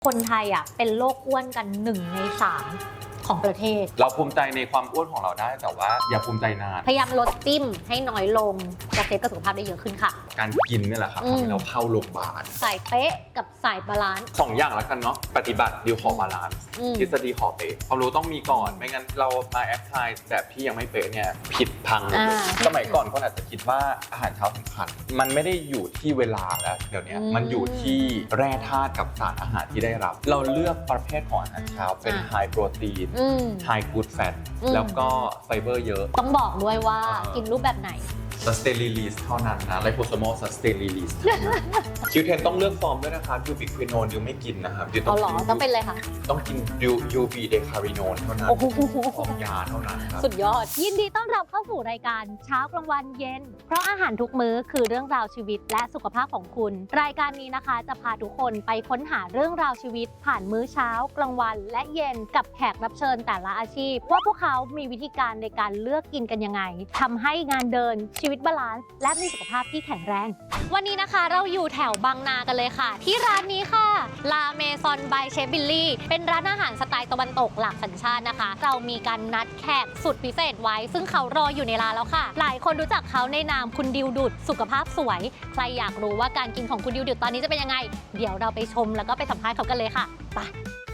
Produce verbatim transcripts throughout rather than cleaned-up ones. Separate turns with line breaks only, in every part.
คนไทยอ่ะเป็นโรคอ้วนกันหนึ่งในสามของประเทศ
เราภูมิใจในความอ้วนของเราได้แต่ว่าอย่าภูมิใจนาน
พยายามลดจิ้มให้น้อยลงจะเซฟกับสุขภาพได้เยอะขึ้นค่ะ
การกินนี่แหละครับทำให้เราเข้าโรงพยาบาล
สายเป๊ะกับสายบาลานซ์
สองอย่างแล้วกันเนาะปฏิบัติดิวขอบาลานซ์ทฤษฎีขอเป๊ะความรู้ต้องมีก่อนไม่งั้นเรามาแอพพลายแบบที่ยังไม่เป๊ะเนี่ยผิดพังสมัยก่อนคนอาจจะคิดว่าอาหารเช้าสำคัญมันไม่ได้อยู่ที่เวลาแล้วเดี๋ยวนี้มันอยู่ที่แร่ธาตุกับสารอาหารที่ได้รับเราเลือกประเภทของอาหารเช้าเป็นไฮโปรตีนไฮกูดแฟตแล้วก็ไฟเบอร์เยอะ
ต้องบอกด้วยว่ากินรูปแบบไหน
sustain release เท่านั้นนะ liposomal sustain release คิวเทนต้องเลือกฟอร์มด้วยนะครับยูบิควินโนนดิวไม่กินนะครับดิว
ต้องกินต้องเป็นเลยค่ะ
ต้องกินยูบีเดคาริโนนเท่านั้นฟอร์มยาเท่านั้นครับ
สุดยอดยินดีต้อนรับเข้าสู่รายการเช้ากลางวันเย็นเพราะอาหารทุกมื้อคือเรื่องราวชีวิตและสุขภาพของคุณรายการนี้นะคะจะพาทุกคนไปค้นหาเรื่องราวชีวิตผ่านมื้อเช้ากลางวันและเย็นกับแขกรับเชิญแต่ละอาชีพว่าพวกเขามีวิธีการในการเลือกกินกันยังไงทำให้งานเดินชีวิตบาลานซ์และมีสุขภาพที่แข็งแรงวันนี้นะคะเราอยู่แถวบางนากันเลยค่ะที่ร้านนี้ค่ะลาเมซอนบายเชฟบิลลี่เป็นร้านอาหารสไตล์ตะวันตกหลากสัญชาตินะคะเรามีการนัดแขกสุดพิเศษไว้ซึ่งเขารออยู่ในร้านแล้วค่ะหลายคนรู้จักเขาในนามคุณดิวดุดสุขภาพสวยใครอยากรู้ว่าการกินของคุณดิวดุดตอนนี้จะเป็นยังไงเดี๋ยวเราไปชมแล้วก็ไปสัมภาษณ์เขากันเลยค่ะไป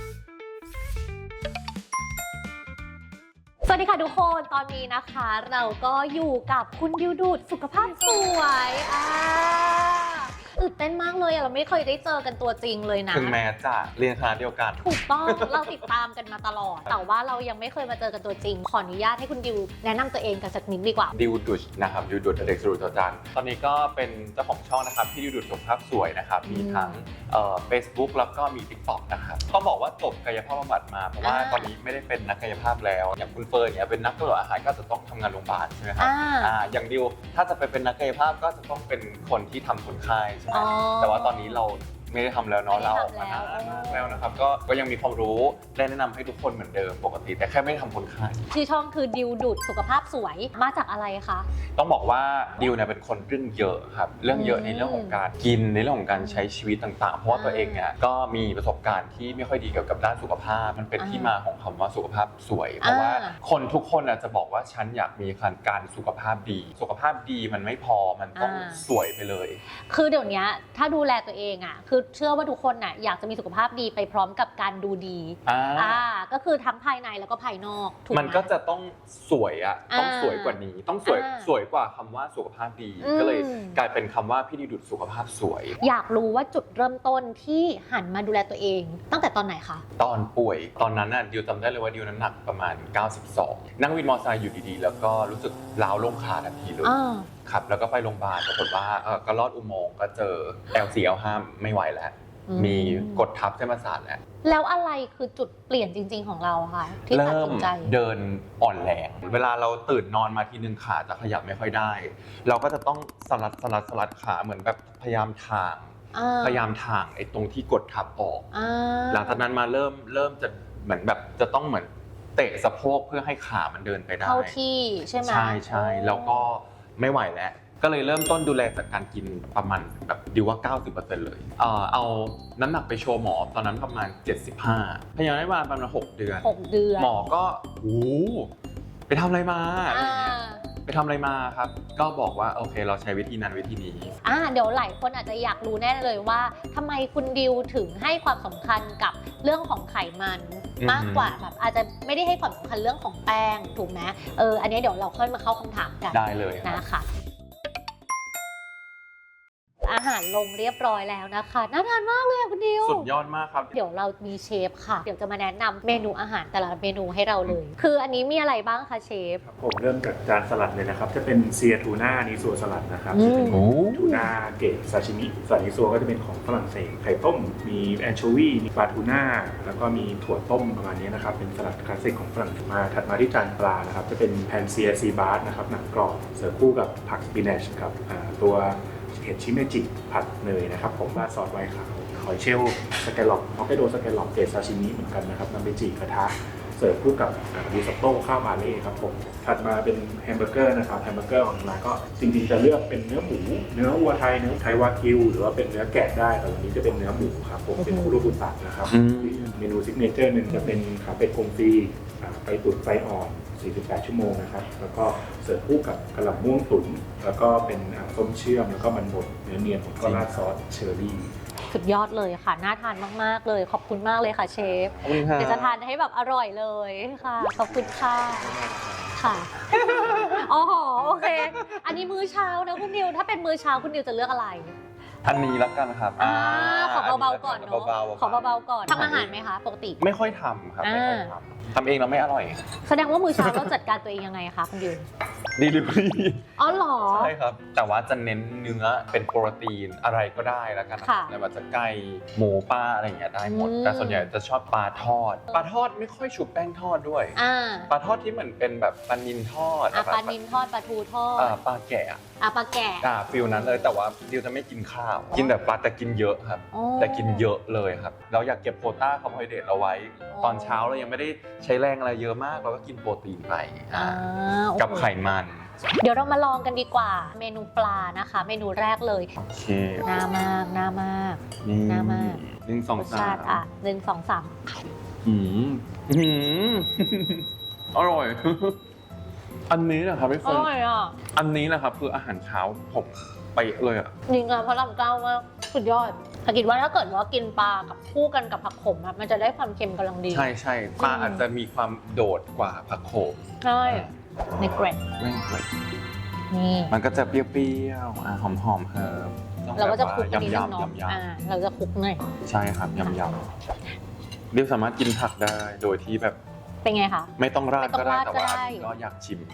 สวัสดีค่ะทุกคนตอนนี้นะคะเราก็อยู่กับคุณดิวดูดสุขภาพสวยอ่าตื่นเต้นมากเลยเราไม่เคยได้เจอกันตัวจริงเลยนะ
ถึงแม้จะเรียนคณะเดียวกัน
ถูกต้องเราติดตามกันมาตลอดแต่ว่าเรายังไม่เคยมาเจอกันตัวจริงขออนุญาตให้คุณดิวแนะนำตัวเองกันสักนิดดีกว่า
ดิวดุดนะครับดิวดุดเด็กสรุปจจันตอนนี้ก็เป็นเจ้าของช่องนะครับที่ดิวดุดสุขภาพสวยนะครับมีทั้งเอ่อ Facebook แล้วก็มี TikTok นะครับต้องบอกว่าจบกายภาพบำบัดมาเพราะว่าตอนนี้ไม่ได้เป็นนักกายภาพแล้วอย่างคุณเฟิร์นเนี่ยเป็นนักตรวจอาหารก็จะต้องทำงานโรงพยาบาลใช่ไหมครับอ่าอย่างดิวถ้าจะไปเป็นนักกายภาพก็จะต้องเป็นคนที่ทำคนไข้ใช่ไหมแต่ว่าตอนนี้เราไม่ได้ทำแล้วเนาะเราออกมานานแล้วนะครับก็ก็ยังมีความรู้ได้แนะนำให้ทุกคนเหมือนเดิมปกติแต่แค่ไม่ได้ทำคนไข้
ชื่อช่องคือดิวดุดสุขภาพสวยมาจากอะไรคะ
ต้องบอกว่าดิวเนี่ยเป็นคนเรื่องเยอะครับเรื่องเยอะในเรื่องของการกินในเรื่องของการใช้ชีวิตต่างๆเพราะว่าตัวเองเนี่ยก็มีประสบการณ์ที่ไม่ค่อยดีเกี่ยวกับด้านสุขภาพมันเป็นที่มาของคำว่าสุขภาพสวยเพราะว่าคนทุกคนจะบอกว่าฉันอยากมีการสุขภาพดีสุขภาพดีมันไม่พอมันต้องสวยไปเลย
คือเดี๋ยวนี้ถ้าดูแลตัวเองอ่ะคือเชื่อว่าทุกคนน่ะอยากจะมีสุขภาพดีไปพร้อมกับการดูดีอ่าก็คือทั้งภายในแล้วก็ภายนอกถูกไหม
มันก็จะต้องสวยอ่ะต้องสวยกว่านี้ต้องสวยสวยกว่าคำว่าสุขภาพดีก็เลยกลายเป็นคำว่าพี่ดิวดุดสุขภาพสวย
อยากรู้ว่าจุดเริ่มต้นที่หันมาดูแลตัวเองตั้งแต่ตอนไหนคะ
ตอนป่วยตอนนั้นน่ะดิวจำได้เลยว่าดิวน้ำหนักประมาณเก้าสิบสองนั่งวินมอเตอร์ไซค์อยู่ดีๆแล้วก็รู้สึกล้าวลงขาทันทีเลยครับแล้วก็ไปโรงพยาบาลปรากฏว่าก็ลอดอุโมงค์ก็เจอ แอล โฟร์ แอล ไฟว์ ไม่ไหวแล้วมีกดทับเส้นประสาทแล้ว
แล้วอะไรคือจุดเปลี่ยนจริงๆของเราคะที่ตัดสินใจ
เดินอ่อนแรงเวลาเราตื่นนอนมาทีนึงขาจะขยับไม่ค่อยได้เราก็จะต้องสลัดสลัดสลัดขาเหมือนแบบพยายามทางพยายามทางไอ้ตรงที่กดทับออกหลังจากนั้นมาเริ่มเริ่มจะเหมือนแบบจะต้องเหมือนเตะสะโพกเพื่อให้ขามันเดินไปได้
เข้าที่ใช่ไหม
ใช่ใช่แล้วก็ไม่ไหวแล้วก็เลยเริ่มต้นดูแลจากการกินประมาณแบบดิวว่า เก้าสิบเปอร์เซ็นต์ เลยเอ่อเอาน้ำหนักไปโชว์หมอตอนนั้นประมาณเจ็ดสิบห้าพยายามได้มาประมาณหกเดือน
หกเดือน
หมอก็โอ้ไปทำอะไรมาอะไรเงี้ยไปทำอะไรมาครับก็บอกว่าโอเคเราใช้วิธีนั้นวิธีนี้
อ่าเดี๋ยวหลายคนอาจจะอยากรู้แน่เลยว่าทำไมคุณดิวถึงให้ความสำคัญกับเรื่องของไขมันมากกว่าแบบอาจจะไม่ได้ให้ความสำคัญเรื่องของแป้งถูกไหมเอออันนี้เดี๋ยวเราค่อยมาเข้าคำถามกัน
ได้เลย
นะคะอาหารลงเรียบร้อยแล้วนะคะน่าทานมากเลยคุณดิว
สุดยอดมากครับ
เดี๋ยวเรามีเชฟค่ะเดี๋ยวจะมาแนะนำเมนูอาหารแต่ละเมนูให้เราเลยคืออันนี้มีอะไรบ้างคะเชฟ
ผมเริ่มจากจานสลัดเลยนะครับจะเป็นเซียทูน่านิซัวสลัดนะครับจะเป็นทูน่าเกรดซาชิมิส่วนนิซัวก็จะเป็นของฝรั่งเศสไข่ต้มมีแอนโชวีมีปลาทูน่าแล้วก็มีถั่วต้มประมาณนี้นะครับเป็นสลัดคลาสสิกของฝรั่งเศสมาถัดมาที่จานปลานะครับจะเป็นแพนเซียซีบาร์สนะครับหนังกรอบเสิร์ฟคู่กับผักสปินัชครับตัวเห็ดชิเมจิผัดเนยนะครับผมราดซอสไวน์ขาวหอยเชลล์สแกลล็อปฮอกไกโดสแกลล็อปเกรดซาชิมิเหมือนกันนะครับนำไปจี่กระทะเสิร์ฟคู่กับริซอตโต้ข้าวบาเล่ครับผมถัดมาเป็นแฮมเบอร์เกอร์นะครับแฮมเบอร์เกอร์ของร้านก็จริงๆจะเลือกเป็นเนื้อหมูเนื้อวัวไทยเนื้อไทยวากิวหรือว่าเป็นเนื้อแกะได้แต่วันนี้จะเป็นเนื้อหมูครับผมเป็นคุโรบุตะนะครับเมนูซิกเนเจอร์หนึ่งจะเป็นขาเป็ดกงฟรีไปตุ๋นไฟอ่อนสี่สิบแปดชั่วโมงนะครับแล้วก็เสิร์ฟคู่กับกระหล่ำม่วงตุ๋นแล้วก็เป็นส้มเชื่อมแล้วก็มันบดเนื้อเนียนผมก็ราดซอสเชอร์รี่
สุดยอดเลยค่ะน่าทานมากๆเลยขอบคุณมากเลยค่ะเชฟเดี๋ยวจะทานให้แบบอร่อยเลยค่ะขอบคุณค่ะค่ะอ๋อโอเคอันนี้มื้อเช้านะคุณดิวถ้าเป็นมื้อเช้าคุณดิวจะเลือกอะไร
อันนี้ละกันครับ
อ่าขอเบาๆก่อนเนาะขอเบาๆก่อนทำอาหารไหมคะปกติ
ไม่ค่อยทำครับไม่ค่อยทำทำเองแล้วไม่อร่อย
แสดงว่ามื้อเช้าเราจัดการตัวเองยังไงคะคุณดิว
ดีลิเวอรี่
อ๋อเหรอ
ใช่ครับแต่ว่าจะเน้นเนื้อเป็นโปรตีนอะไรก็ได้แล้วกันในว่าจะไก่หมูปลาอะไรอย่างเงี้ยได้หมดแต่ส่วนใหญ่จะชอบปลาทอดปลาทอดไม่ค่อยชุบแป้งทอดด้วยปลาทอดที่เหมือนเป็นแบบปลานิลทอด
ปลานิลทอดปลาทูทอด
ปลาแกะ
อ่ะปลาแกะ
อ่าฟิลนั้นเลยแต่ว่าดิวจะไม่กินข้าวกินแต่ปลาแต่กินเยอะครับแต่กินเยอะเลยครับเราอยากเก็บโควต้าคาร์โบไฮเดรตเอาไว้ตอนเช้าเรายังไม่ได้ใช้แรงอะไรเยอะมากเราก็กินโปรตีนไปกับไขมัน
เดี๋ยวเรามาลองกันดีกว่าเมนูปลานะคะเมนูแรกเลยโอเคน่ามากน่ามากน่ามาก
หนึ่งสองสาม
อ่ะหนึ่งสองสาม
อืมอืมอร่อยอันนี้นะครับพี่เฟิร์นอร่อยอ่ะอันนี้นะครับคืออาหารเช้าผมไปเลยอ่ะ
จริงอ่ะเพราะลำเก้ามากสุดยอดแต่คิดว่าถ้าเกิดว่ากินปลากับคู่กันกับผักขมอ่ะมันจะได้ความเค็มกำลังดี
ใช่ใช่ปลาอาจจะมีความโดดกว่าผักขม
ใช่ในเกรด
ในเกรดนี่มันก็จะเปรี้ยวๆอ่ะหอมๆเฮิร์บ
เราก็จะคลุกกันนิดนึงเนาะอ่าเราจะคลุกหน่อย
ใช่ครับยำๆเดี๋ยวสามารถกินผักได้โดยที่แบบ
เป็นไงคะ
ไม่ต้องราดก็ได้แต่ว่าก็อยากชิม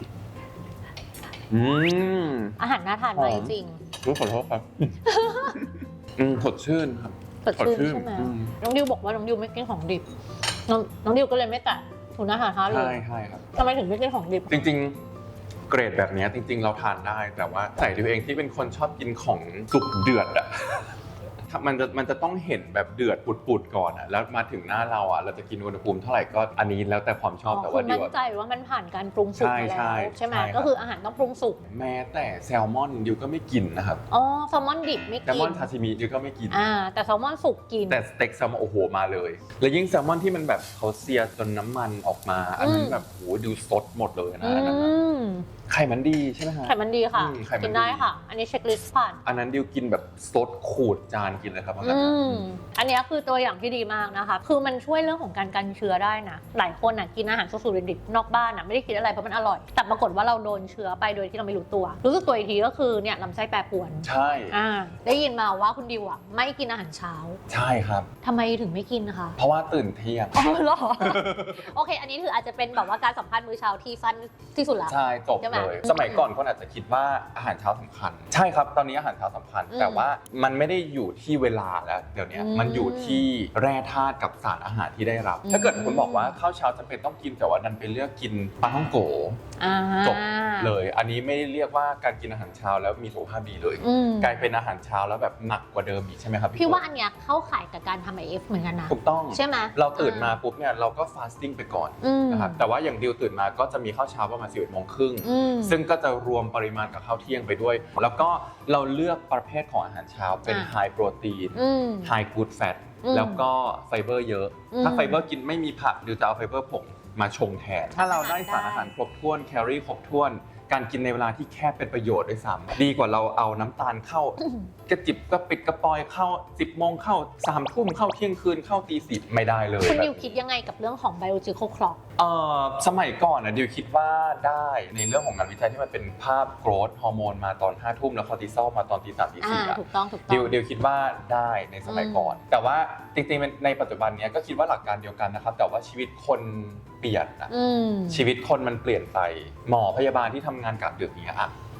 อืม
อาหารน่าทานมากจริง
รู้ขอโทษครับอืมสดชื่นครับ
สดชื่นใช่ไหมน้องดิวบอกว่าน้องดิวไม่กินของดิบน้องน้องดิวก็เลยไม่แตะถุนอาหารท้าเลย
ใช่ใช่ครับ
ทำไมถึงไม่กินของดิบ
จริงๆเกรดแบบนี้จริงๆเราทานได้แต่ว่าใส่ดิวเองที่เป็นคนชอบกินของสุกเดือดอ่ะมันจะมันจะต้องเห็นแบบเดือดปุดๆก่อนอ่ะแล้วมาถึงหน้าเราอ่ะเราจะกินอุณหภูมิเท่าไหร่ก็อันนี้แล้วแต่ความชอบแต่ว่าดิว
มั่นใจว่ามันผ่านการปรุงสุกมาแล้วใช่ไหมก็คืออาหารต้องปรุงสุก
แม้แต่แซลมอนดิวก็ไม่กินนะครับ
อ๋อแซลมอนดิบไม่กิน
แซลมอนซาชิมิดิวก็ไม่กิน
อ่าแต่แซลมอนสุกกิน
แต่สเต็กแซลมอนโอ้โหมาเลยแล้วยิ่งแซลมอนที่มันแบบเขาเซียจนน้ำมันออกมาอันนั้นแบบโหดูสดหมดเลยนะอันนั้นไข่มันดีใช่ไหมคะ
ไข่มันดีค่ะกินได้ค่ะอันนี้เช็คลิสต์ผ่าน
อันนั้นดิวกินแบบสดขูดจานกินเลยครับ
อันนี้คือตัวอย่างที่ดีมากนะคะคือมันช่วยเรื่องของการกันเชื้อได้นะหลายคนอ่ะกินอาหารสุกๆดิบๆนอกบ้านอ่ะไม่ได้คิดอะไรเพราะมันอร่อยแต่ปรากฏว่าเราโดนเชื้อไปโดยที่เราไม่รู้ตัวรู้สึกตัวอีกทีก็คือเนี่ยลำไส้แปรปรวน
ใช่
อ่าได้ยินมาว่าคุณดิวอ่ะไม่กินอาหารเช้า
ใช่ครับ
ทำไมถึงไม่กินคะ
เพราะว่าตื่นเที่ยง
อ๋อเหรอโอเคอันนี้ถืออาจจะเป็นแบบว่าการสัมภาษณ์มื้อเช้าที่สั้นที่สุดละ
ใช่จบเลยสมัยก่อนคนอาจจะคิดว่าอาหารเช้าสำคัญใช่ครับตอนนี้อาหารเช้าสำคัญแต่ว่ามันไม่ได้อยู่ที่เวลาแล้วเดี๋ยวนี้มันอยู่ที่แร่ธาตุกับสารอาหารที่ได้รับถ้าเกิดคุณบอกว่าข้าวเช้าจำเป็นต้องกินแต่ว่าดันไปเลือกกินปลาท่องโกจบเลยอันนี้ไม่ได้เรียกว่าการกินอาหารเช้าแล้วมีสุขภาพดีเลยกลายเป็นอาหารเช้าแล้วแบบหนักกว่าเดิมอีกใช่ไหมครับ
พี่ว่าอันเนี้ยเข้าข่ายกับการทำ ไอ เอฟ เหมือนกันนะ
ถูกต้อง
ใช่ไหม
เราตื่นมาปุ๊บเนี่ยเราก็ฟาสติ้งไปก่อนนะครับแต่ว่าอย่างดิวตื่นมาก็จะมีข้าวเช้าประมาณสิบเอ็ดโมงครึ่งซึ่งก็จะรวมปริมาณกับข้าวเที่ยงไปด้วยแล้วก็เราเลือกประเภทของอาหารเช้าเป็นไฮโปรตีนไฮกู๊ดแฟตแล้วก็ไฟเบอร์เยอะถ้าไฟเบอร์กินไม่มีผักดิวจะเอาไฟเบอร์ผงมาชงแทนถ้าเราได้สารอาหารครบถ้วนแคลอรี่ครบถ้วนการกินในเวลาที่แคบเป็นประโยชน์ด้วยซ้ำดีกว่าเราเอาน้ำตาลเข้ากระจิบกระปิดกระปอยเข้าสิบโมงเข้าสามทุ่มเข้าเที่ยงคืนเข้าตีสิบไม่ได้เลย
คุณดิวคิดยังไงกับเรื่องของ biological clock
เอ่อสมัยก่อนนะดิวคิดว่าได้ในเรื่องของงานวิจัยที่มันเป็นภาพโกรทฮอร์โมนมาตอนห้าทุ่มแล้วคอร์ติซอลมาตอนตีสามตีสี่อ่ะ
ถูกต้องถูกต้อง
ดิวดิวคิดว่าได้ในสมัยก่อนแต่ว่าจริงๆในปัจจุบันนี้ก็คิดว่าหลักการเดียวกันนะครับแต่ว่าชีวิตคนเปลี่ยนนะชีวิตคนมันเปลี่ยนไปหมอพยาบาลที่ทำงานกะดึกอย่างเงี้ยอ่ะ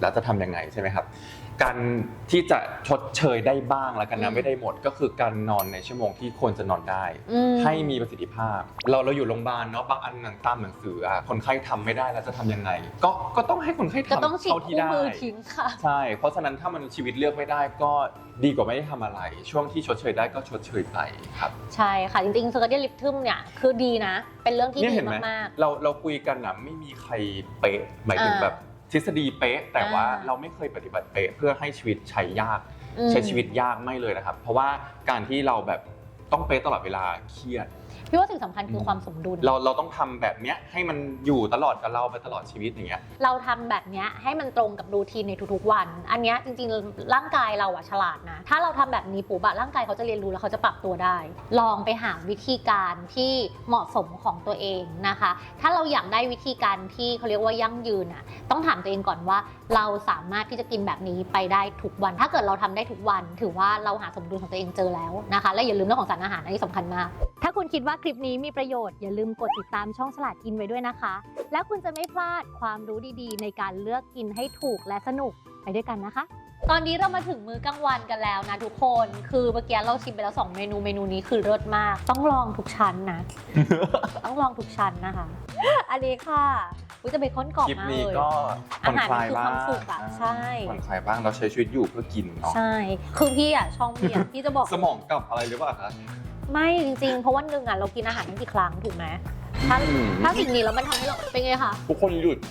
แล้วจะทำยังไงใช่ไหมครับการที่จะชดเชยได้บ้างแล้วกันนะไม่ได้หมดก็คือการนอนในชั่วโมงที่ควรจะนอนได้ให้มีประสิทธิภาพเราเราอยู่โรงพยาบาลเนาะบางอันหนังตามหนังสือคนไข้ทำไม่ได้แล้วจะทำยังไงก็ก็ต้องให้คนไข้ทำ
ก็ต้องฉีด
เท่าที่
คู่
ได้
มือทิ้งค่ะ
ใช่เพราะฉะนั้นถ้ามันชีวิตเลือกไม่ได้ก็ดีกว่าไม่ได้ทำอะไรช่วงที่ชดเชยได้ก็ชดเชยไปครับ
ใช่ค่ะจริงๆ circadian rhythm เนี่ยคือดีนะเป็นเรื่องที่ดีมาก
ๆเราเราคุยกันนะไม่มีใครเป๊ะหมายถึงแบบทฤษฎีเป๊ะแต่ว่าเราไม่เคยปฏิบัติเป๊ะเพื่อให้ชีวิตใช้ยากใช้ชีวิตยากไม่เลยนะครับเพราะว่าการที่เราแบบต้องเป๊ะตลอดเวลาเครียด
พี่ว่าสิ่งสำคัญคือความสมดุล
เราเราต้องทำแบบเนี้ยให้มันอยู่ตลอดกับเราไปตลอดชีวิตอย่างเงี้ย
เราทำแบบเนี้ยให้มันตรงกับรูทีนในทุกๆวันอันเนี้ยจริงๆร่างกายเราอะฉลาดนะถ้าเราทำแบบนี้ปุ๊บอะร่างกายเขาจะเรียนรู้แล้วเขาจะปรับตัวได้ลองไปหาวิธีการที่เหมาะสมของตัวเองนะคะถ้าเราอยากได้วิธีการที่เขาเรียกว่ายั่งยืนอะต้องถามตัวเองก่อนว่าเราสามารถที่จะกินแบบนี้ไปได้ทุกวันถ้าเกิดเราทำได้ทุกวันถือว่าเราหาสมดุลของตัวเองเจอแล้วนะคะและอย่าลืมเรื่องของสารอาหารอันนี้สำคัญมากถ้าคุณคิดว่าคลิปนี้มีประโยชน์อย่าลืมกดติดตามช่องฉลาดกินไว้ด้วยนะคะแล้วคุณจะไม่พลาดความรู้ดีๆในการเลือกกินให้ถูกและสนุกไปด้วยกันนะคะตอนนี้เรามาถึงมื้อกลางวันกันแล้วนะทุกคนคือเมื่อกี้เราชิมไปแล้วสองเมนูเมนูนี้คือเลิศมากต้องลองทุกชั้นนะ ต้องลองทุกชั้นนะคะอันนี้ค่ะอุ๊ยจะเบคอนกรอบมากเลย
คลิปนี้ก็ผ่อนคลายบ้าง
ใช่
ผ่อนคลายบ้างเราใช้ชีวิตอยู่เพื่อกินเนาะ
ใช่คือพี่อ่ะช่องพี่อ่ะพี่จะบอก
สมองกลับอะไรหรือเปล่าคะ
ไม่จริงๆเพราะวันหนึ่งอ่ะเรากินอาหารทั้งกี่ครั้งถูกไหมถ้าถ้าสิ่งนี้แล้วมันทำให้เราเป็นไงคะ
ทุกคนหยุด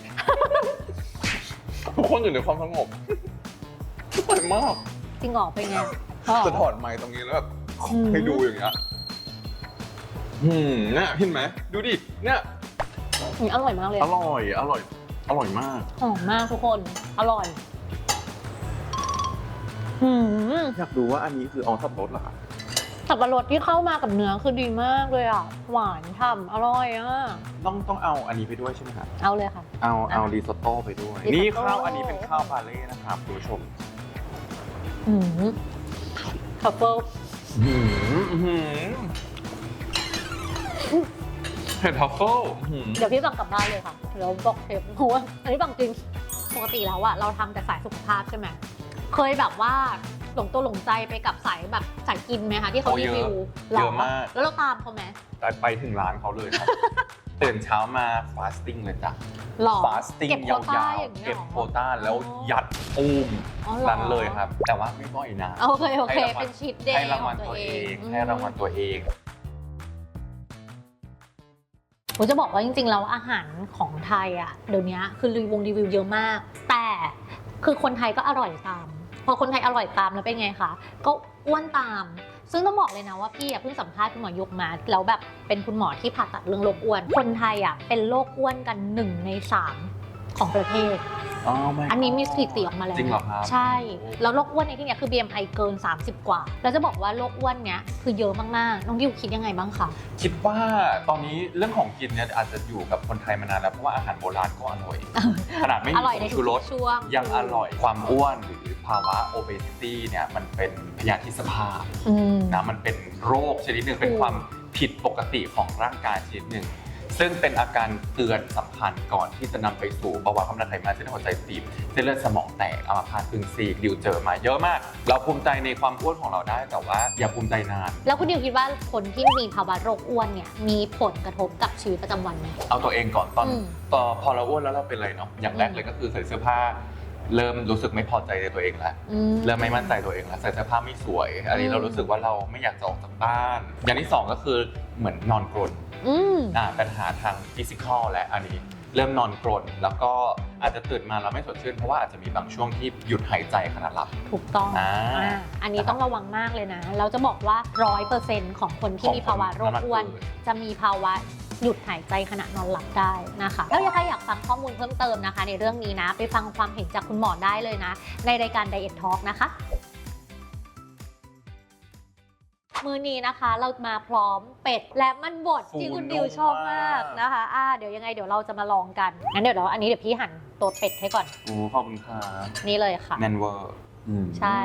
ทุกคนอยู่ในความสงบสวยมาก
จริงหรอเป็นไง
จะถอดไมค์ตรงนี้แล้วแบบให้ดูอย่างเงี้ยอืมเนี่ยเห็นไหมดูดิเนี่ย
อร่อยมากเลย
อร่อยอร่อยอร่อยมาก
หอมมากทุกคนอร่อย
อยากดูว่าอันนี้คือออสับปะรดเหรอครับ
สับปะรดที่เข้ามากับเนื้อคือดีมากเลยอ่ะหวานฉ่ำอร่อยอ่ะ
ต้องต้องเอาอันนี้ไปด้วยใช่ไหมครับ
เอาเลยค่ะ
เอาเอาริซอตโต้ไปด้วยนี่ข้าวอันนี้เป็นข้าวบาเล่นะครับคุณผู้ชม
อืมทัฟเฟิล
เห็ดทัฟเฟิล
เดี๋ยวพี่สั่งกลับบ้านเลยค่ะเดี๋ยวบอกเชฟเพราะว่าอันนี้บอกจริงปกติแล้วอะเราทำแต่สายสุขภาพใช่ไหมเคยแบบว่าหลงตัวหลงใจไปกับสายแบบสายกินไหมคะที่เขารีวิว
เยอะมาก
แล้วเราตามเขาไหม
ไปถึงร้านเขาเลยครับตื่นเช้ามาฟาสติ้งเลยจ้ะฟาสติ้งยาวๆเก็บโควต้าแล้วยัดปูมนั้นเลยครับแต่ว่าไม่บ่อยนะ
โอเคโอเคเป็นชีทเดย์
ให้รางวัลตัวเองให้รางวัลตัวเอง
ผมจะบอกว่าจริงๆแล้วอาหารของไทยอ่ะเดี๋ยวนี้คือรีวิวรีวิวเยอะมากแต่คือคนไทยก็อร่อยตามพอคนไทยอร่อยตามแล้วเป็นไงคะก็อ้วนตามซึ่งต้องบอกเลยนะว่าพี่เพิ่งสัมภาษณ์คุณหมอยกมาแล้วแบบเป็นคุณหมอที่ผ่าตัดเรื่องโรคอ้วนคนไทยอ่ะเป็นโรคอ้วนกันหนึ่งในสามของประเทศอันนี้มีสถิติออกมาแล้ว
จริงเหรอครับ
ใช่แล้วโรคอ้วนในที่นี้คือ บี เอ็ม ไอ เกินสามสิบกว่าแล้วจะบอกว่าโรคอ้วนเนี้ยคือเยอะมากๆน้องดิวคิดยังไงบ้างคะ
คิดว่าตอนนี้เรื่องของกินเนี่ยอาจจะอยู่กับคนไทยมานานแล้วเพราะว่าอาหารโบราณก็อร่อยขนาดไม่มีชูรสยังอร่อยความอ้วนหรือภาวะ obesity เนี่ยมันเป็นพยาธิสภาพนะมันเป็นโรคชนิดหนึ่งเป็นความผิดปกติของร่างกายชนิดหนึ่งซึ่งเป็นอาการเตือนสำคัญก่อนที่จะนำไปสู่ภาวะความดันไขมันเส้นหัวใจตีบเส้นเลือดสมองแตกอัมพาตครึ่งซีกดิวเจอมาเยอะมากเราภูมิใจในความอ้วนของเราได้แต่ว่าอย่าภูมิใจนาน
แล้วคุณดิวคิดว่าคนที่มีภาวะโรคอ้วนเนี่ยมีผลกระทบกับชีวิตประจำวันไหม
เอาตัวเองก่อนตอนตอนพอเราอ้วนแล้วเราเป็นอะไรเนาะอย่างแรกเลยก็คือใส่เสื้อผ้าเริ่มรู้สึกไม่พอใจในตัวเองแล้วเริ่มไม่มั่นใจตัวเองแล้วใส่เสื้อผ้าไม่สวยอันนี้เรารู้สึกว่าเราไม่อยากจะออกจากบ้านอย่างที่สองก็คือเหมือนนอนกรนอ่าปัญหาทางฟิสิกอลและอันนี้เริ่มนอนกรนแล้วก็อาจจะตื่นมาแล้วไม่สดชื่นเพราะว่าอาจจะมีบางช่วงที่หยุดหายใจขณะหลับ
ถูกต้องอ่าอันนี้ต้องระวังมากเลยนะเราจะบอกว่าร้อยเปอร์เซ็นต์ของคนที่มีภาวะโรคอ้วนจะมีภาวะหยุดหายใจขณะนอนหลับได้นะคะแล้วถ้าอยากฟังข้อมูลเพิ่มเติมนะคะในเรื่องนี้นะไปฟังความเห็นจากคุณหมอได้เลยนะในรายการ Diet Talk นะคะมื้อนี้นะคะเรามาพร้อมเป็ดและมันบดที่คุณดิวชอบมากนะคะอ่าเดี๋ยวยังไงเดี๋ยวเราจะมาลองกันงั้นเดี๋ยวเราอันนี้เดี๋ยวพี่หั่นตัวเป็ดให้ก่อน
โอ้ขอบคุณครับ
นี่เลยค่ะ
แมนเวอร์
ใช่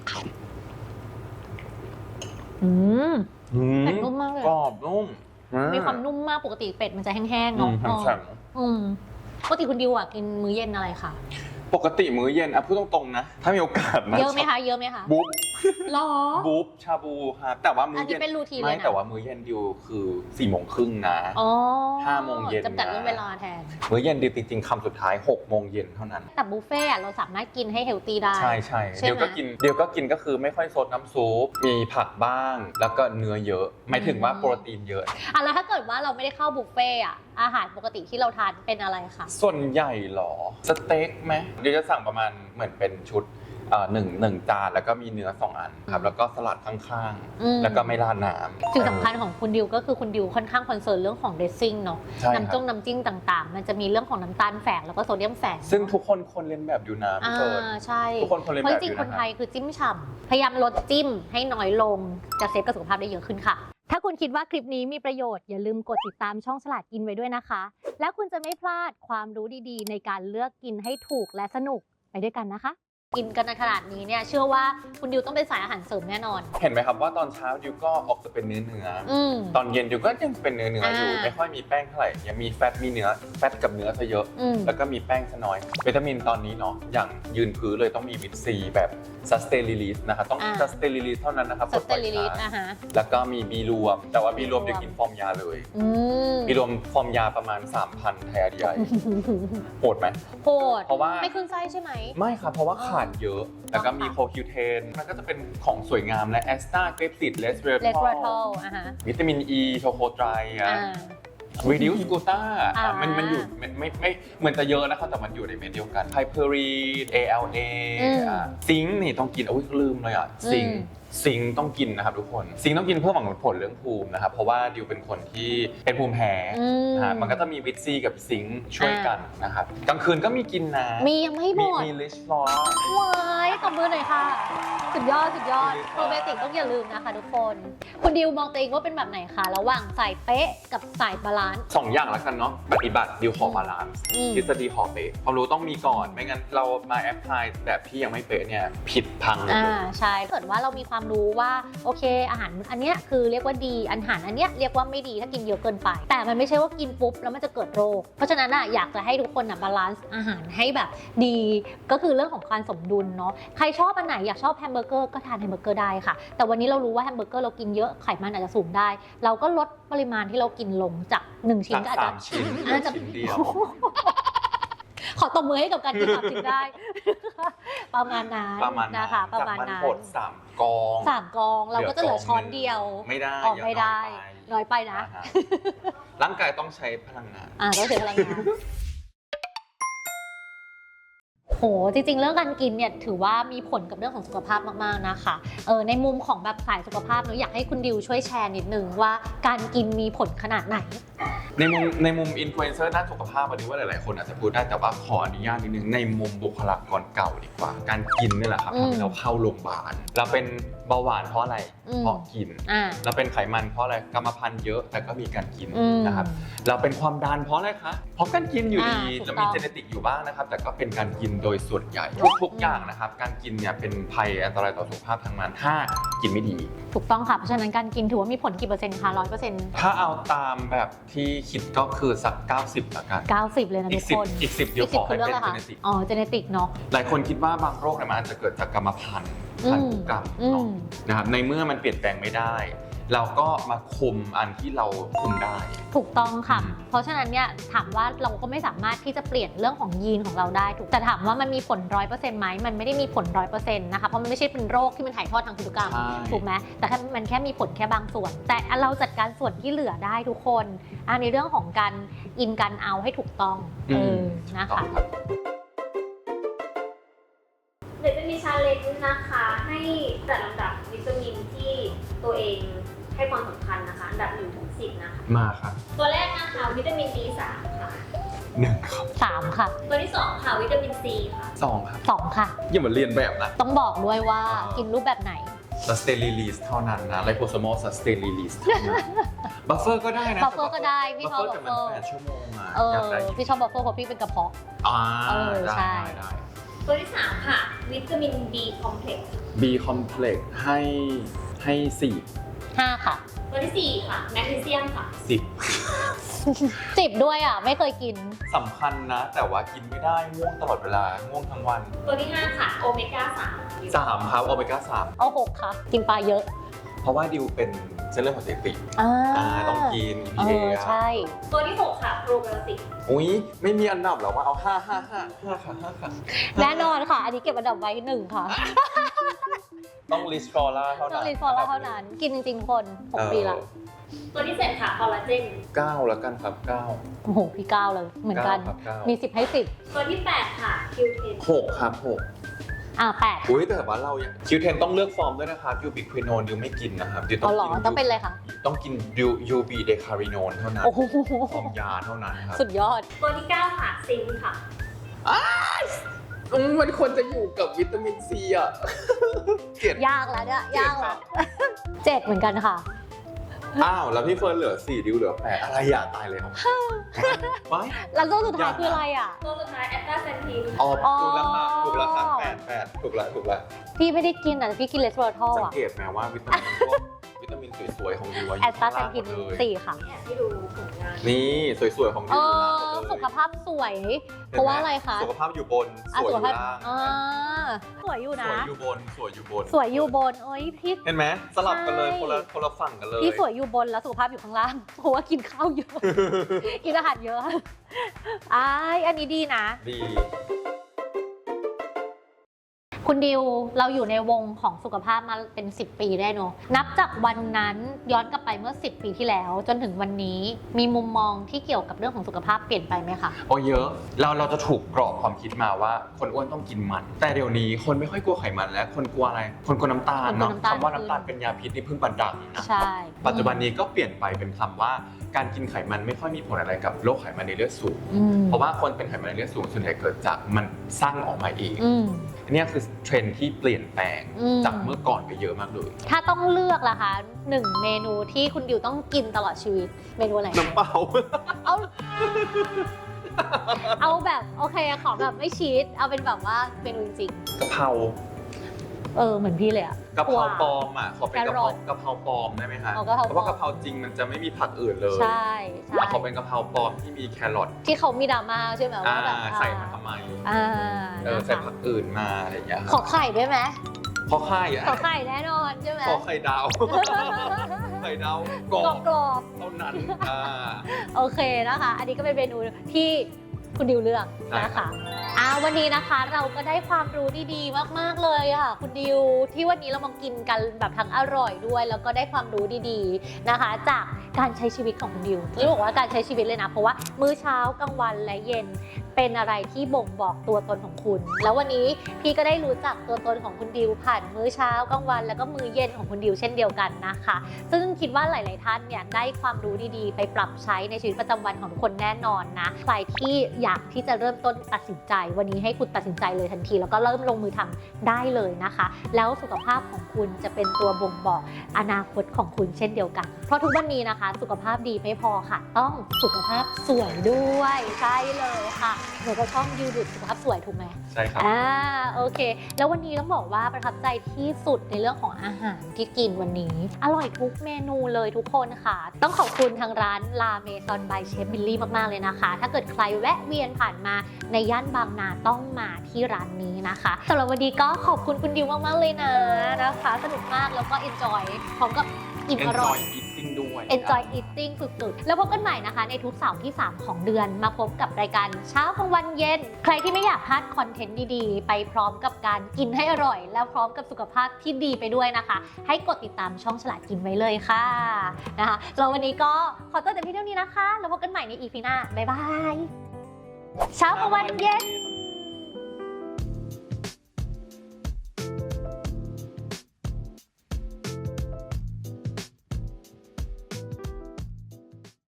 อืมเป็ดนุ่มมากเลย
กรอบนุ่ม
มีความนุ่มมากปกติเป็ดมันจะแห้งๆเนาะ
แข็ง
อืมปกติคุณดิวอ่ะกินมื้อเย็นอะไรคะ
ปกติมื้อเย็นอ่ะพูดตรงๆนะถ้ามีโอกาสนะ
เยอะไหมคะเยอะไหมคะ
บุ๊บ
หรอ
บุ๊บชาบูครับแต่ว่ามื้อเย็
อันนี้เป็นรูทีนเลยนะ
ไม่แต่ว่ามื้อเย็นดิวคือสี่โมงครึ่งนะ
อ๋อ
ห้าโมงเย็น
จำกัดเรื่องเวลาแทน
มื้อเย็นดิวจริงๆคำสุดท้ายหกโมงเย็นเท่านั้น
แต่บุฟเฟ่ต์อะเราสามารถกินให้เฮลตี้ได้
ใช่ใช่
ใช่ไหม
เดี๋ยวก็กินเดี๋ยวก็กินก็คือไม่ค่อยซดน้ำซุปมีผักบ้าง แล้วก็เนื้อเยอะหมายถึงว่าโปรตีนเยอะ
อ่ะแล้วถ้าเกิดว่าเราไม่ได้เข้าบุฟเฟ่ต์อะอาหารปกติที่เราทานเป็นอะไรคะ
ส่วนใหญ่เหรอสเต็กไหมเดี๋ยวจะสั่งประมาณเหมือนเป็นชุดเอ่อหนึ่งหนึ่งจานแล้วก็มีเนื้อสองอันครับแล้วก็สลัดข้าง
อืม
ๆ แล้วก็ไม่ราดน้ำ
สิ่งสำคัญของคุณดิวก็คือคุณดิวค่อนข้างคอนเซิร์นเรื่องของเดซซิ่งเนาะ
ใช่ครับ
น้ำจ้งน้ำจิ้มต่างๆ มันจะมีเรื่องของน้ำตาลแฝงแล้วก็โซเดียมแฝง
ซึ่งทุกคนคนเรียนแบบอยู่นะพี่
อ่า
เฟิร์น
ใช่
ทุกคนคนเรียน
เพราะ
แบบ
จ
อ
ริง
ยู่
ๆคน
นะ
ไทยคือจิ้มฉ่ำพยายามลดจิ้มให้น้อยลงจะเซฟกับสุขภาพได้เยอะขึ้นค่ะ ถ้าคุณคิดว่าคลิปนี้มีประโยชน์อย่าลืมกดติดตามช่องฉลาดกินไว้ด้วยนะคะ และคุณจะไม่พลาดความรู้ดีๆ ในการเลือกกินให้ถูกและสนุกไปด้วยกันนะคะ กินกันขนาดนี้เนี่ยเชื่อว่าคุณดิวต้องเป็นสายอาหารเสริมแน่นอน
เห็นไหมครับว่าตอนเช้าดิวก็ออกจะเป็นเนื้อเนื้อๆ
อืม
ตอนเย็นดิวก็ยังเป็นเนื้อเนื้ออยู่
อ่า
ไม่ค่อยมีแป้งเท่าไหร่ยังมีแฟตมีเนื้อแฟตกับเนื้อซะเยอะ
อืม
แล้วก็มีแป้งซะน้อยวิตามินตอนนี้เนาะอย่างยืนพื้นเลยต้องมีวิตซีแบบ sustain release นะครับต้อง
อ่า
sustain release เท่านั้นนะครับ
สเตอริลิส
ปล่อย
นะ
ช้า
ฮะ
แล้วก็มีบีรวม แต่ว่าบีรวม
B รวม
เดี๋ยวกินฟอร์มยาเลย
อืม
บีรวมฟอร์มยาประมาณ สามพัน ไทยอาร์ดีไอโหดไหม
โหด
เพราะว่า
ไม่ขึ้นไส้ใช่ไหม
ไม่ครับ เพราะว่าขาดเยอะ แล้วก็มี
ค่ะ
โคคิวเทนมันก็จะเป็นของสวยงามและแอสตาเกรปซิดเลสเวอร์
เลสเวอร์ทอลอ่ะฮะ
วิตามินอีโชโคไตร
อ่า
อะ reduce gluta
อ่า
มันมันอยู่ไม่ไม่ไม่เหมือนจะเยอะนะครับแต่มันอยู่ในเม็ดเดียวกัน Piperine เอ แอล เอ
อืม
ซิงค์นี่ต้องกินอุ้ยลืมเลยอ่ะซิงค์
อืม
ซิงค์ต้องกินนะครับทุกคนซิงค์ต้องกินเพื่อหวังผลเรื่องภูมินะครับเพราะว่าดิวเป็นคนที่เป็นภูมิแพ้
อืม
นะฮะมันก็จะมีวิตซีกับซิงค์ช่วยกันนะครับกลางคืนก็มีกินนะ
มียังไม่หม
มี
ด
มีลิชฟลอร์
วายตบมือหน่อยค่ะ สุดยอดสุดยอด
ดี
โป
ค่ะ
รไบโอติกต้องอย่าลืมนะคะทุกคน คุณดิวมองตัวเองว่าเป็นแบบไหนคะ ระหว่างสายเป๊ะกับสายบาลานซ์
สองอย่างแล้วกันเนาะปฏิบัติดิวขอบาลานซ์
อืม
ทฤษฎีขอเป๊ะความรู้ต้องมีก่อน ไม่งั้นเรามาแอพพลายแบบที่ยังไม่เป๊ะเนี่ยผิดพังหมด
อ่า
เลย
ใช่ถ้าเกิดว่าเรามีความรู้ว่าโอเค อาหารอันเนี้ยคือเรียกว่าดีอาหารอันเนี้ยเรียกว่าไม่ดีถ้ากินเยอะเกินไป แต่มันไม่ใช่ว่ากินปุ๊บแล้วมันจะเกิดโรค เพราะฉะนั้นอ่ะอยากจะให้ทุกคนอ่ะบาลานซ์อาหารให้แบบดี ก็คือเรื่องของการสมดุลเนาะใครชอบอันไหนอยากชอบแฮมเบอร์เกอร์ก็ทานแฮมเบอร์เกอร์ได้ค่ะ แต่วันนี้เรารู้ว่าแฮมเบอร์เกอร์เรากินเยอะไขมันอาจจะสูงได้ เราก็ลดปริมาณที่เรากินลงจากหนึ่งชิ้น
จาก
ก็อาจจะ
สามชิ้น
อาจจะ
ชิ้นเดียว
ขอตบมือให้กับการกินสามชิ้นได้ ประมาณนั้น
ประมาณ
นะคะประมาณ
จาก
นั้น
บดสามกอง
สามกองเราก็จะเหลือช้อนเดียว
ไม่ได้
ออกไม่ได้
อย่า
น้อยไปนะ
อ่าฮะร่างกายต้องใช้พลังงาน
อ่าต้องเสียพลังงานโหจริงๆ เรื่องการกินเนี่ยถือว่ามีผลกับเรื่องของสุขภาพมากๆนะคะเออในมุมของแบบสายสุขภาพเนอะอยากให้คุณดิวช่วยแชร์นิดนึงว่าการกินมีผลขนาดไหน
ในมุมในมุมอินฟลูเอนเซอร์ด้านสุขภาพวันนี้ว่าหลายๆคนอาจจะพูดได้แต่ว่าขออนุญาตนิดนึงในมุมบุคลากรเก่าดีกว่า การกินนี่แหละครับ
อืม
ทำให้เราเข้าโรงพยาบาลเราเป็นเบาหวานเพราะอะไร
อืม
เพราะกิน
อ่า
เราเป็นไขมันเพราะอะไรกรรมพันธุ์เยอะแต่ก็มีการกิน
อืม
นะครับเราเป็นความดันเพราะอะไรคะเพราะการกินอยู่ดี
อ่าถูก
จะ
ต้
มี
อง
เจเนติกอยู่บ้างนะครับแต่ก็เป็นการกินโดยส่วนใหญ่ทุกๆอย่างนะครับการกินเนี่ยเป็นภัยอันตรายต่อสุขภาพทางนั้นถ้ากินไม่ดี
ถูกต้องค่ะเพราะฉะนั้นการกินถือว่ามีผลกี่เปอร์เซ็นต์คะร้อยเปอร์เซ็นต์
ถ้าเอาตามแบบที่คิดก็คือสักเก้าสิบละกัน
เก้าสิบเลยนะ
อี
ทุ
ก
ก
สิบ
คน
อีกสิบเดียวขอให้เป็น
ะ
เจ
คะ
เนติก
อ๋อเจเนติกเนาะ
หลายคนคิดว่าบางโรคเนี่ยมันอาจจะเกิดจากกรรมพันธุ์พันธุกรรม
อืม
เนาะนะครับในเมื่อมันเปลี่ยนแปลงไม่ได้ เราก็มาคุมอันที่เราคุมได้
ถูกต้องค่ะ
อืม
เพราะฉะนั้นเนี่ยถามว่าเราก็ไม่สามารถที่จะเปลี่ยนเรื่องของยีนของเราได้ถูกแต่ถามว่ามันมีผลร้อยเปอร์เซ็นต์ไหมมันไม่ได้มีผลร้อยเปอร์เซ็นต์นะคะเพราะมันไม่ใช่เป็นโรคที่มันถ่ายทอดทางพันธุกรรม
ใช่
ถูกไหมแต่แค่มันแค่มีผลแค่บางส่วน แต่เราจัดการส่วนที่เหลือได้ทุกคนอันในเรื่องของการอินกันเอาให้ถูกต้องเออนะ
ต้อ
คะ
งครับ
เดี๋ยวจะมีชาเลนจ์นะคะให้จัดลำดับวิตามินที่ตัวเองให้ความสำคัญนะคะอันดับหนึ่งถึงสิบนะคะ
มาครับ
ตัวแรกนะคะวิตามิน บี สาม ค่ะ
หนึ่งครับ
สามค่ะ
ตัวที่สองค่ะวิตามิน ซี ค่ะ
สองครับ
สองค่ะ
อย่ามาเรียนแบบนะ
ต้องบอกด้วยว่า
เออ
กินรูปแบบไหน
sustain release เท่านั้นนะ liposomal sustain release เท่านั้น buffer ก็ได้นะ
บัฟเฟอร์ก็ได้พี่ชอบ
buffer
บั
แต่
ฟ
มัน
เฟอร์
แปดชั่วโมงอะ
เออ
อยากได้
พี่ชอบบัฟเฟอร์เพราะพี่เป็นกระเพาะ
อ่า
เออ
ได้
ใช่
ได้ได้
ตัวที่สามค่ะวิตามิน B complex
B complex ให้ให้สี่
ห้าค่ะ
ตัวตัวที่สี่ค่ะแมกนีเซียมค่ะ
สิบ
จิบด้วยอ่ะ ไม่เคยกิน
สำคัญนะ แต่ว่ากินไม่ได้ง่วงตลอดเวลาง่วงทั้งวัน
ตัวที่ห้าค่ะโอเมก้าสาม
สามครับโอเมก้าสาม
เอาหกค่ะ กินปลาเยอะ
เพราะว่าดิวเป็นเส้นเลือดหัวใจตีบ
อ่า
อ่าต้องกิน
เอ
พี
อ
เอ
ใช่
ตัวที่หกค่ะโปรไบโอติก
อุ้ยไม่มีอันดับหรอว่าเอาห้าห้าห้าห้าค่ะห้าค่ะ
แน่นอนค่ะ อันนี้เก็บอันดับไว้หนึ่งค่ะ
ต้องลิสฟอร่าเท่า
ต้อ
นั้
ง
น
รีฟอร์ลเท่านั้น กินจริงๆคนหกปีละ
ตัวที่เจ็ดค่ะคอลลาเจน
เก้าแล้วกันครับเก้า
โอ้โห พี่ก้าวเลย เหมือนกัน
เก้าครับเก้า
มีสิบให้สิบ
ตัวที่แปดค่ะคิวเทน
หกครับหก
อ่าแปด
อุ้ยแต่ว่าเรายังคิวเทนต้องเลือกฟอร์มด้วยนะครับยูบิควินโนนดิวไม่กินนะครับดิวต้อ
เอา
ง
เหรอ
กิน
ต้องเป็นอะไรคะ
ต้องกินดิวยูบีเดคาริโนนเท่านั้น
โอ้โห
ฟอร์มยาเท่านั้นครับ
สุดยอด
ตัวที่เก้าค่ะซิงค์ค่ะ
อืมมันควรจะอยู่กับวิตามินซีอ่ะเกลียด
ยากแล้วเนี่ย ยากแล้วเจ็ดเหมือนกันค่ะ
อ้าวแล้วพี่เฟิร์นเหลือสี่ดิวเหลือแปดอะไรอย่าตายเลยครับไว้
แล้วตัวสุดท้ายคืออะไรอ่ะ
ตัวสุดท้ายแอตตาเซนทีน
อ๋อถูกแล้วค่ะถูกแล้วค่ะแปดแปดถูกแล้วถูกแล้ว
พี่ไม่ได้กินอ่ะพี่กินเลสเวอร์ทอล
สัง
อ่ะ
เกตไหมว่าวิตามินพวกวิตามินสวยๆของดิวอะอ
แอยู่ ตตา
ข้าง
เซ
ล่าน งหม
ทิน
ดเลย
สี่ค่ะ
แอบให้ดูผลงาน
นี่สวยๆของดิ
เอ
วอยู่ล่าง
อ
หมดเลย
สุขภาพสวย เพราะว่าอะไรคะ
สุขภาพอยู่บนส
อ่ะ
วยอ
สุข
ยู่
ภาพ
ล่าง
อ่าสวยอยู่
ส
นะ
วยอยู่บนสวยอยู่บน
สวยอยู่บนเอ้ยพี่
เห็นไหมสลับกันเลย
ใช่
คนละคนละฝั่งกันเลย
พี่สวยอยู่บนแล้วสุขภาพอยู่ข้างล่าง เพราะว่ากินข้าวเยอะ กินอาหารเยอะอ้ายอันนี้ดีนะ
ดี
คุณดิวเราอยู่ในวงของสุขภาพมาเป็นสิบปีได้เนอะนับจากวันนั้นย้อนกลับไปเมื่อสิบปีที่แล้ว จนถึงวันนี้มีมุมมองที่เกี่ยวกับเรื่องของสุขภาพเปลี่ยนไปไหมคะ
โอ้เยอะเราเราจะถูกกรอบความคิดมาว่าคนอ้วนต้องกินมัน แต่เดี๋ยวนี้คนไม่ค่อยกลัวไขมันแล้วคนกลัวอะไร คนกลัวน้ำตาลเนาะ
คนกลัวน้ำตาล
คำว่าน้ำตาลเป็นยาพิษนี่เพิ่งบันดังนะ
ใช่
ปัจจุบันนี้ก็เปลี่ยนไปเป็นคำว่าการกินไขมันไม่ค่อยมีผลอะไรกับโรคไขมันในเลือดสูง
อืม
เพราะว่าคนเป็นไขมันในเลือดสูงส่วนใหญ่เกิดจากมันสร้างออกมาเอง
อืม
อันนี้คือเทรนด์ที่เปลี่ยนแปลง
อืม
จากเมื่อก่อนไปเยอะมากเลย
ถ้าต้องเลือกล่ะคะหนึ่งเมนูที่คุณดิวต้องกินตลอดชีวิตเมนูอะไร
น้ำเปล่า
เอา เอาแบบโอเคขอแบบไม่ชีสเอาเป็นแบบว่าเมนูจริง
กะเพรา
ๆเออเหมือนพี่เลยอะ
กะเพราปลอมอ่ะขอเป็นกะเพรา
แครอท
กะเพราปลอมได้ไหมคะ
อ๋อกะเพราปลอม
เพราะว่ากะเพราจริงมันจะไม่มีผักอื่นเลย
ใช่ใช่
ขอเป็นกะเพราปลอมที่มีแครอท
ที่เขามีดราม่าใช่ไหม
อ่า
ว่าแบบ
ใส่มาทำไม
อ่า
เออ
นะ
ใส่
คะ
ผักอื่นมาอะไรอย่างเงี้ย
ขอไข่ด้วยไหม
ขอไข่อะ
ขอไข่แน่นอนใช่ไหม
ขอไข่ดาว ไข่ดาวกร
กร
อ
อ
บบ
กรอบ
เท่านั้นอ่า
ๆโอเคนะคะ อันนี้ก็เป็นเมนูที่คุณดิวเลือก
ใช่
นะ
ครั
คะ
บ
อ่าวันนี้นะคะเราก็ได้ความรู้ดีๆมากๆเลยค่ะคุณดิวที่วันนี้เรามากินกันแบบทั้งอร่อยด้วย แล้วก็ได้ความรู้ดีๆนะคะ จากการใช้ชีวิตของคุณดิวที่บอกว่าการใช้ชีวิตเลยนะ เพราะว่ามื้อเช้ากลางวันและเย็นเป็นอะไรที่บ่งบอกตัวตนของคุณ แล้ววันนี้พี่ก็ได้รู้จักตัวตนของคุณดิวผ่านมื้อเช้ากลางวัน แล้วก็มื้อเย็นของคุณดิวเช่นเดียวกันนะคะ ซึ่งคิดว่าหลายๆท่านเนี่ยได้ความรู้ดีๆ ไปปรับใช้ในชีวิตประจำวันของทุกคนแน่นอนนะใครที่อยากที่จะเริ่มต้นตัดสินใจ วันนี้ให้คุณตัดสินใจเลยทันที แล้วก็เริ่มลงมือทำได้เลยนะคะ แล้วสุขภาพของคุณจะเป็นตัวบ่งบอกอนาคตของคุณเช่นเดียวกัน เพราะทุกวันนี้นะคะ สุขภาพดีไม่พอค่ะ ต้องสุขภาพสวยด้วยใช่เลยค่ะเหมือนกับช่องยูดูสุขภาพสวยถูกไหม
ใช่ครับ
อ่าโอเค แล้ววันนี้ต้องบอกว่าประทับใจที่สุดในเรื่องของอาหารที่กินวันนี้ อร่อยทุกเมนูเลยทุกคนค่ะ ต้องขอบคุณทางร้านลาเมซอนบายเชฟบิลลี่มากๆเลยนะคะ ถ้าเกิดใครแวะเวียนผ่านมาในย่านบางนาต้องมาที่ร้านนี้นะคะสำหรับวันนี้ก็ขอบคุณคุณดิวมากๆเลยนะนะคะ สนุกมากแล้วก็ enjoy พร้อมกับอิ่มอร่อย
Enjoy eating ด้วย
Enjoy eating สุดๆ แล้วพบกันใหม่นะคะในทุกเสาร์ที่ สาม ของเดือนมาพบกับรายการเช้ากลางวันเย็น ใครที่ไม่อยากพลาดคอนเทนต์ดีๆ ไปพร้อมกับการกินให้อร่อย แล้วพร้อมกับสุขภาพที่ดีไปด้วยนะคะ ให้กดติดตามช่องฉลาดกินไว้เลยค่ะนะคะแล้ววันนี้ก็ขอตัวแต่เพียงเท่านี้นะคะแล้วพบกันใหม่ใน อี พี หน้าบ๊ายบายเช้ากลางวันเย็น